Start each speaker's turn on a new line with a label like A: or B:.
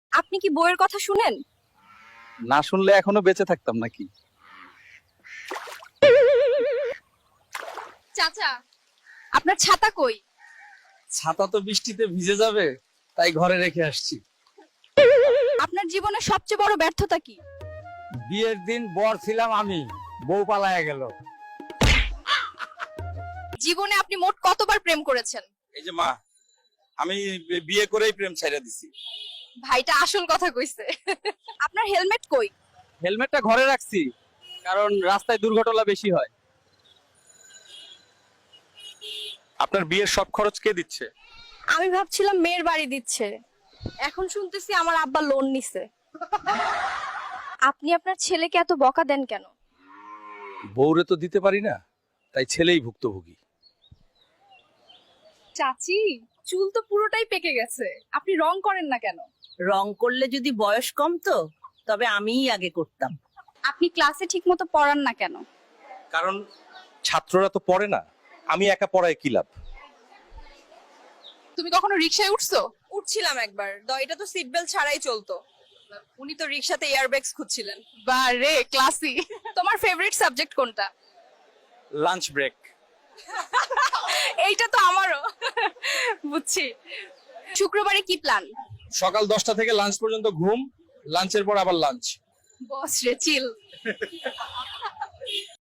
A: আপনি কি বইয়ের কথা শুনেন?
B: না শুনলে এখনো বেঁচে থাকতাম নাকি?
A: চাচা, আপনার ছাতা কই?
B: ছাতা তো বৃষ্টিতে ভিজে যাবে, তাই ঘরে রেখে আসছি।
A: আপনার জীবনের সবচেয়ে বড় ব্যর্থতা কি?
C: বিয়ের দিন বর ছিলাম আমি, বউ পালায়া গেল।
A: জীবনে আপনি মোট কতবার প্রেম করেছেন?
B: এই যে মা, আমি বিয়ে করেই প্রেম ছাইড়া দিছি।
A: ভাইটা আসল কথা কইছে। আপনার হেলমেট কই?
B: হেলমেটটা ঘরে রাখছি, কারণ রাস্তায় দুর্ঘটনা বেশি হয়। আপনার বিয়ের সব খরচ কে দিচ্ছে?
A: আমি ভাবছিলাম মেয়ের বাড়ি দিচ্ছে, এখন শুনতেছি আমার আব্বা লোন নিছে। আপনি আপনার ছেলেকে এত বকা দেন কেন?
B: বউরে তো দিতে পারি না, তাই ছেলেই ভুক্তভোগী।
A: চাচি, চুল তো পুরোটাই পেকে গেছে, আপনি রং করেন না কেন?
D: রং করলে যদি বয়স কমতো তবে আমিই আগে করতাম।
A: আপনি ক্লাসে ঠিকমতো পড়ান না কেন?
B: কারণ ছাত্ররা তো পড়ে না, আমি একা পড়ায় কি লাভ?
A: তুমি কখনো রিকশায় উঠছো? উঠছিলাম একবার, এটা তো সিট বেল্ট ছাড়াই চলতো। উনি তো রিকশাতে এয়ারব্যাগস খুঁজছিলেন। বারে ক্লাসি। তোমার ফেভারিট সাবজেক্ট কোনটা?
B: Lunch break.
A: এইটা তো আমারও। বুঝছি। শুক্রবারে কি প্ল্যান?
B: সকাল 10টা থেকে লাঞ্চ পর্যন্ত ঘুম, লাঞ্চের পর আবার লাঞ্চ।
A: বস রে চিল।